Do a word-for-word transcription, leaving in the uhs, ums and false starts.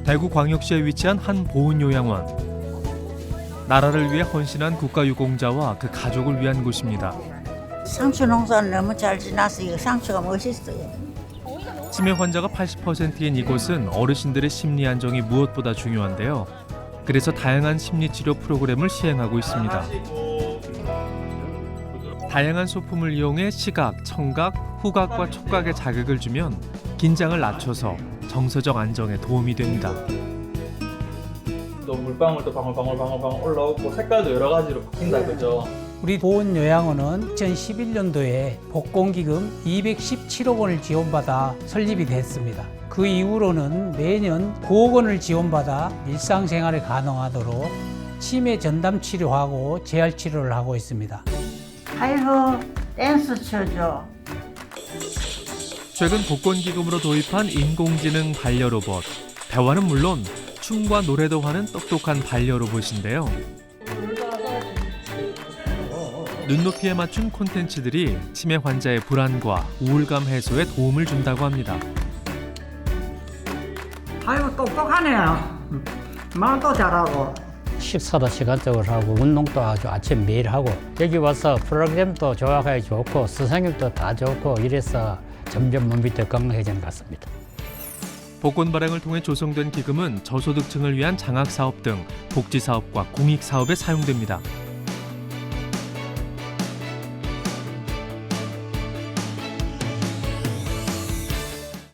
대구광역시에 위치한 한 보훈요양원. 나라를 위해 헌신한 국가유공자와 그 가족을 위한 곳입니다. 상추 농사를 너무 잘 지나서 이거 상추가 멋있어요. 치매 환자가 팔십 퍼센트인 이곳은 어르신들의 심리 안정이 무엇보다 중요한데요. 그래서 다양한 심리치료 프로그램을 시행하고 있습니다. 다양한 소품을 이용해 시각, 청각, 후각과 촉각에 자극을 주면 긴장을 낮춰서 정서적 안정에 도움이 됩니다. 또 물방울도 방울방울방울방울 올라오고 색깔도 여러 가지로 바뀐다, 그죠? 우리 보훈요양원은 이천십일 년도에 복권기금 이백십칠억 원을 지원받아 설립이 됐습니다. 그 이후로는 매년 구억 원을 지원받아 일상생활이 가능하도록 치매 전담 치료하고 재활 치료를 하고 있습니다. 아이고 댄스 쳐줘. 최근 복권기금으로 도입한 인공지능 반려로봇. 대화는 물론 춤과 노래도 하는 똑똑한 반려로봇인데요. 눈높이에 맞춘 콘텐츠들이 치매 환자의 불안과 우울감 해소에 도움을 준다고 합니다. 아이고 똑똑하네요. 말도 잘하고. 식사도 시간적으로 하고 운동도 아주 아침 매일 하고 여기 와서 프로그램도 조합하기 좋고 선생님도 다 좋고 이래서 점점 몸이 더 건강해지는 것 같습니다. 복권 발행을 통해 조성된 기금은 저소득층을 위한 장학사업 등 복지사업과 공익사업에 사용됩니다.